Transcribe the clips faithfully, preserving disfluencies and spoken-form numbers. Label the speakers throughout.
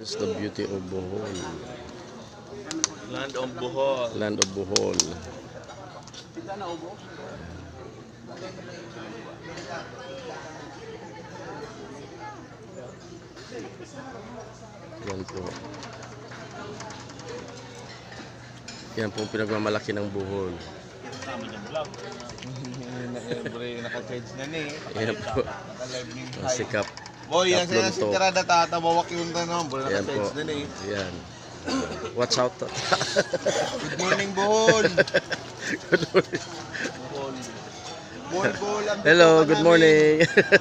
Speaker 1: It's the beauty of Bohol.
Speaker 2: Land of Bohol.
Speaker 1: Land of Bohol. Yan po. Yan po pinagmamalaki ng Bohol.
Speaker 2: Naka-charge na ni.
Speaker 1: Yan po. Ang sikap.
Speaker 2: Boy, yan sila
Speaker 1: Tatlong
Speaker 2: si
Speaker 1: to.
Speaker 2: Tirada tatabawak yung tanong. Boy,
Speaker 1: Yan
Speaker 2: naka-charge
Speaker 1: po.
Speaker 2: na ni.
Speaker 1: Yan. Watch out.
Speaker 2: Good morning, Bohol.
Speaker 1: Good morning.
Speaker 2: Bohol. Bohol, Bohol. ang
Speaker 1: Hello,
Speaker 2: bituka
Speaker 1: good
Speaker 2: namin.
Speaker 1: morning.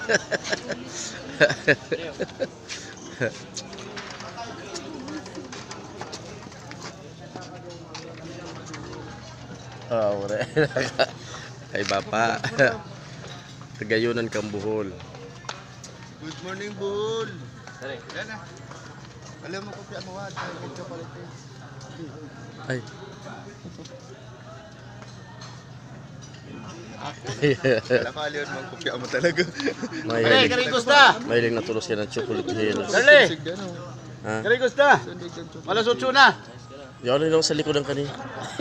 Speaker 1: Oh, ore. Kay Bapa. Kagayunan kang Bohol.
Speaker 2: Good morning, Bohol. Sorry. Yan na. Alam mo ko piya mo ha. Medyo palit eh.
Speaker 1: Ay.
Speaker 2: Wala ka aliyon mo. Kupya mo talaga.
Speaker 1: Mahilig,
Speaker 2: Kari Gusta!
Speaker 1: mahilig na tulos ka ng chocolate hills.
Speaker 2: Dali!
Speaker 1: Ha?
Speaker 2: Kari Gusta! Malas otso na!
Speaker 1: Yan lang sa likod ng kanina.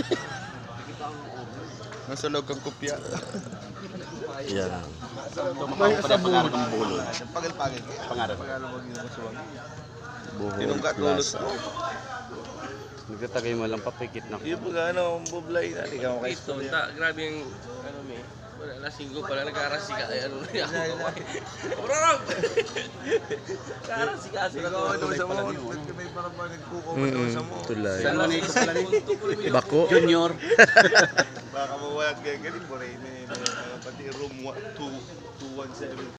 Speaker 2: Nasa loob kang kupya.
Speaker 1: Yan.
Speaker 2: Sa Bohol. Pagil-pagil. Pangarap.
Speaker 1: Bohol
Speaker 2: Tinungga tulos
Speaker 1: Plaza.
Speaker 2: ko.
Speaker 1: Nagtatagay mo lang papikit na.
Speaker 2: Yung pag ano, bublay na. Ikaw kay
Speaker 3: Ito, ta, grabe yung, ano mi, wala na singgo pala, nagkarasi ka, ay ano na yan. Brarog! Karasi ka, sila
Speaker 2: Ikaw
Speaker 3: ko.
Speaker 2: ano sa mo. Ba't ka may parang parang nagkuko mo
Speaker 1: Mm
Speaker 2: sa mo?
Speaker 1: tulay.
Speaker 3: Saan mo na ito pala ni?
Speaker 1: Bako.
Speaker 3: Junior.
Speaker 2: Baka mawalat ka galing mo rin. Pati room two one seven.